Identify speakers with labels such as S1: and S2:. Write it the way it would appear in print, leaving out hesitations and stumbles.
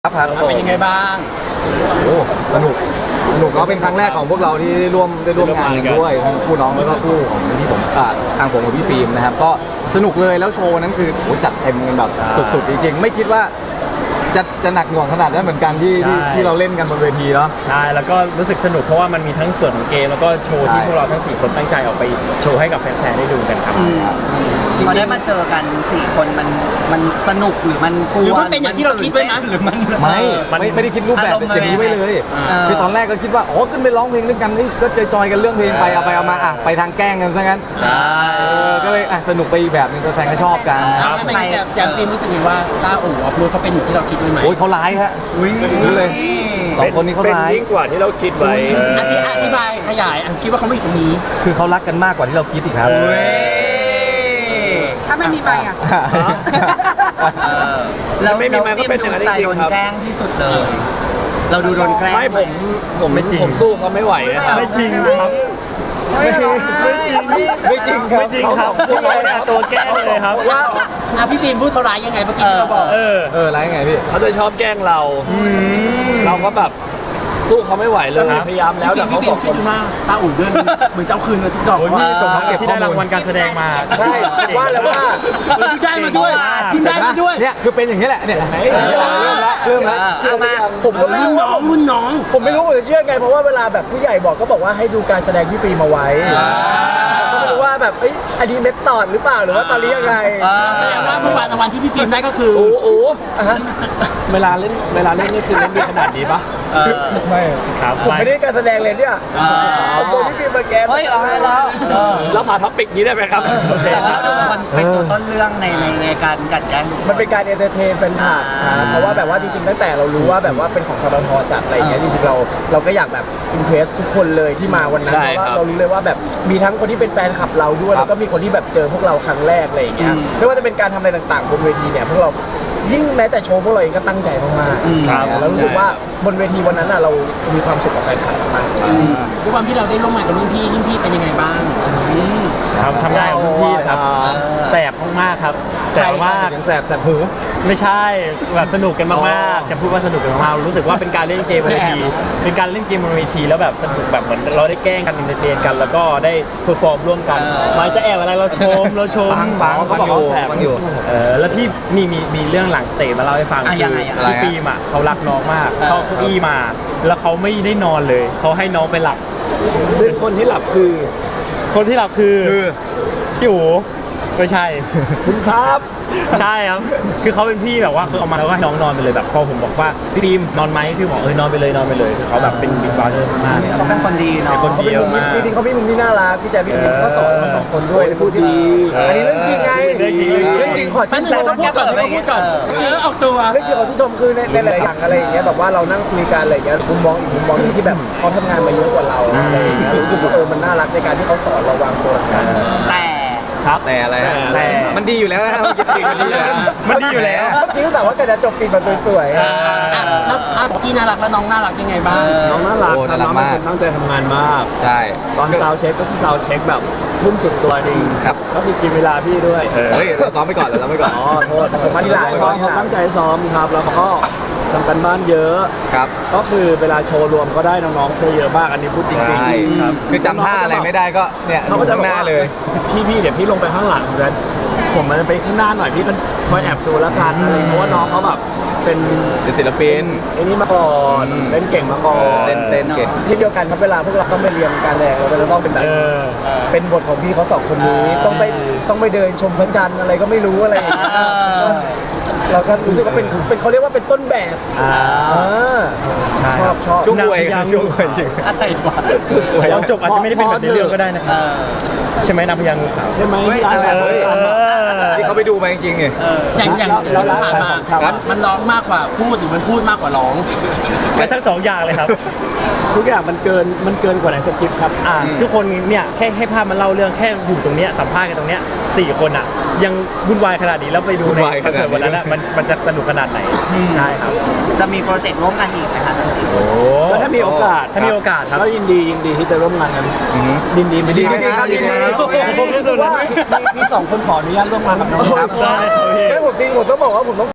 S1: ครับ
S2: เป็นยังไงบ้าง
S1: โอ้สนุกก็เป็นครั้งแรกของพวกเราที่ได้ร่วมงานกันด้วยทั้งคู่น้องแล้วก็คู่ของพี่ผมทางผมกับพี่ฟิล์มนะครับก็สนุกเลยแล้วโชว์นั้นคือจัดเต็มกันแบบสุดๆจริงๆไม่คิดว่าจะหนักหน่วงขนาดนั้นเหมือนกันที่เราเล่นกันบนเวทีเนาะ
S3: ใช่แล้วก็รู้สึกสนุกเพราะว่ามันมีทั้งส่วนของเกมแล้วก็โชว์ที่พวกเราทั้ง4คนตั้งใจออกไปโชว์ให้กับแฟนๆได้ดูกันครับ
S2: พอได้มาเจอกัน4คนมันสนุกหรือมันกลัวหรือมันเป็นอย่างที่เราคิดไว้ไหมหรือมัน
S1: ไม่ได้คิดรูปแบบอย่างนี้ไว้เลยคือตอนแรกก็คิดว่าขึ้นไปร้องเพลงด้วยกันก็จอยกันเรื่องเพลงไปเอามาไปทางแกล้งกันซะงั้นก็เลยสนุกไปอีกแบบนึงแฟนก็ชอบกัน
S2: ไม่แจมฟิล์มรู้สึกว่าต้าอู่อัพโหลดเขาเป็นอย่างที่เราคิดไว้ไหม
S1: เขาร้ายฮะรู้เลย2คนนี้เขาร้าย
S3: ยิ่งกว่าที่เราคิดไว้
S2: อธิบายขยายคิดว่าเขาไม่อยู่ตรงนี้
S1: คือเขารักกันมากกว่าที่เราคิดอีกครับ
S4: ถ้าไม่มีใบอ่ะ
S2: เราฟิล์มดูสไตล์โดนแกล้งที่สุดเลยเราดูโดนแกล้ง
S3: ไม่ผมไม่จริงผมสู้เขาไม่ไหวนะครับไม่จริงครับ
S1: ไม่จริง
S3: ครับพวกเราเนี่ยตัวแกล้งเลยครับ
S2: ว่าพี่ฟิล์มพูดเขาร้ายยังไงเมื่อกี้ที่เราบอก
S1: ร้ายยังไงพี่
S3: เขาจะชอบแกล้งเราก็แบบสู้เขาไม่ไหวเลยพยายามแล้วแต่เขาสองคน
S2: หน้าตาอุ่นด้วยเหมือนเจ้าคืนเลยทุกดอก
S3: ว่าที่ได้รางวัลการแสดงมา
S1: ใช่ว่าแล้วว่า
S2: ได้มาด้วย
S1: เนี่ยคือเป็นอย่างนี้แหละเนี่ยเริ่มแล้ว
S2: เชื่อมา
S1: ผมก็ไม่รู้ว่า
S2: รุ่นน้อง
S1: ผมไม่รู้ผมจะเชื่อไงเพราะว่าเวลาแบบผู้ใหญ่บอกก็บอกว่าให้ดูการแสดงที่ฟิล์มมาไว้ก็ไม่รู้ว่าแบบอันนี้เมทอดหรือเปล่าหรือว่าตอนนี้ยังไง
S2: แสดงว่าเมื่อวานรางวัลที่พี่ฟิล์มได้ก็คือ
S3: เวลาเล่นนี่คือเล่นดีขนาดนี้ปะ
S1: ไม่ครับผมไม่ได้การแสดงเลยเนี่ยผมโดนพี่ฟิล์มมาแก
S2: เฮ้ยเอา
S3: แล้วผ่าท็อปิกนี้ได้ไหมครับ
S2: มันเป็นตัวต้นเรื่องในการกัดแกล้ง
S1: มันเป็นการเอนเตอร์เทนเป็นผ่านเพราะว่าแบบว่าจริงๆตั้งแต่เรารู้ว่าแบบว่าเป็นของททจัดอะไรอย่างเงี้ยจริงๆเราก็อยากแบบอินเทรสทุกคนเลยที่มาวันนั้นเพราะว่าเรารู้เลยว่าแบบมีทั้งคนที่เป็นแฟนคลับเราด้วยแล้วก็มีคนที่แบบเจอพวกเราครั้งแรกอะไรอย่างเงี้ยไม่ว่าจะเป็นการทำอะไรต่างๆบนเวทีเนี่ยพวกเรายิ่งแม้แต่โชว์พวกเราเองก็ตั้งใจมากๆแล้วรู้สึกว่าบนเวทีวันนั้นเรามีความสุขกับแฟนคลับมาก
S2: ด้วยความที่เราได้ร่วมงานกับรุ่นพี่เป็นยังไงบ้าง
S3: ทำได้กับรุ่นพี่ครับแสบมากๆครับแต่ว่า
S1: แสบหู
S3: ไม่ใช่แบบสนุกกันมากๆจะพูดว่าสนุกกันมากรู้สึกว่าเป็นการเล่นเกมบนเวทีเป็นการเล่นเกมบนเวทีแล้วแบบสนุกแบบเหมือนเราได้แกล้งกันอินเตอร์เทนกันแล้วก็ได้เพอร์ฟอร์มร่วมกันไม่จะแอบอะไรเราชม
S1: ฟังอยู่
S3: แล้วพี่มีเรื่องหลังสเตจมาเล่าให้ฟังคือฟิล์มเขารักน้องมากเขาเก้าอี้มาแล้วเขาไม่ได้นอนเลยเขาให้น้องไปหลับซึ่งคนที่หลับคือพี่อู๋ไม่ใช่คุณครับใช่ครับคือเขาเป็นพี่แบบว่าคือเอามาแล้วก็ให้น้องนอนไปเลยแบบพอผมบอกว่าพี่ฟิล์มนอนไหมคือบอกนอนไปเลยคือเขาแบบเป็นบิ๊กบอสมาก
S2: เขาเป็นคนดีเนาะ
S3: คนเดียวมาก
S1: จริงๆเขาเป็นมุมที่น่ารักพี่แจ๊คพี่ฟิล์มก็สอนสองคนด้วยพูดที่ดีอันนี้เรื่องจริงไงเรื่องจริงขอชื่นชม
S2: พูดก่อนออกตัว
S1: เรื่องจริงขอชื่นชมคือในหลายอย่างอะไรอย่างเงี้ยแบบว่าเรานั่งคุยกันอะไรอย่างเงี้ยมุมมองอีกมุมมองที่แบบเขาทำงานมาเยอะกว่าเราอะไรอย่างเงี้ยรู้สึกว่ามันน่ารักในการที่เขาสอนเราวางตัวแต่อะไรแต่มันดีอยู่แล้วนะครับมันดีอยู่แล้วจริงแต่ว่าก็จะจบปีมาสวย
S2: ถ้าพี่น่ารักแล้วน้องน่ารักยังไงบ้าง
S3: น้องน่ารักมากตั้งใจทำงานมาก
S1: ใช่
S3: ตอนซาวเช็คก็คือซาวเช็คแบบทุ่มสุดตัวจริง
S1: ครับ
S3: ก็คือกินเวลาพี่ด้วย
S1: เฮ้ยเราซ้อมไปก่อน
S3: อ๋อโทษผมมาที่หลังเขาตั้งใจซ้อมครับแล้วก็ทำกันบ้านเยอะ
S1: ครับ
S3: ก็คือเวลาโชว์รวมก็ได้น้องๆช่วยเยอะมากอันนี้พูดจริง
S1: ๆครับคือจำท่าอะไรไม่ได้ก็เนี่ยดูข้างหน้าเลย
S3: พี่เดี๋ยวพี่ลงไปข้างหลังแล้วผมมันไปข้างหน้าหน่อยพี่ก็คอยแอบดูแล้วกันอะไรเพราะว่าน้องเขาแบบเป็น
S1: ศิลปิน
S3: ไอ้นี่มาก่อนเล่นเก่งมาก่อน
S1: เต้นเก่งที่เดียวกันครับเวลาพวกเราต้องไปเรียนการแสดงเราจะต้องเป็นแบบเป็นบทของพี่เขา2คนนี้ต้องไปเดินชมพระจันทร์อะไรก็ไม่รู้อะไรอย่างเงี้ยเราก็รู้สึกว่าเป็นเขาเรียกว่าเป็นต้นแบบชอบช่วงรวยจริง
S2: อะไรวะ
S3: ตอนจบอาจจะไม่ได้เป็นแบบในเรื่องก็ได้นะครับใช่ไหมนางพญางูขาวใช่ไหม
S1: ที่เขาไปดูมาจริงๆไง
S2: อย่างเราผ่านมามันร้องมากกว่าพูดหรือมันพูดมากกว่าร้อง
S3: ก็ทั้ง2อย่างเลยครับทุกอย่างมันเกินกว่าในสคริปต์ครับทุกคนเนี่ยแค่ให้ภาพมันเล่าเรื่องแค่อยู่ตรงเนี้ยสัมภาษณ์กันตรงเนี้ย4 คนอ่ะยังวุ่นวายขนาดนี้แล้วไปดูในคอนเสิร์ตวันนั้นมันจะสนุกขนาดไหนใช่ครับ
S2: จะมีโปรเจกต์ร่วมกันอีกไหมคะทั้ง4 คน
S3: ก็ถ้ามีโอกาสครับก็ยินดีที่จะร่วมงานกันยินดี
S1: ไหมครับ
S3: ผมรู้สึกว่าพี่2 คนขออนุญาตร่วมงานกับน้องครับ
S1: ได้ผมจริงผมต้องบอกว่าผมต้อง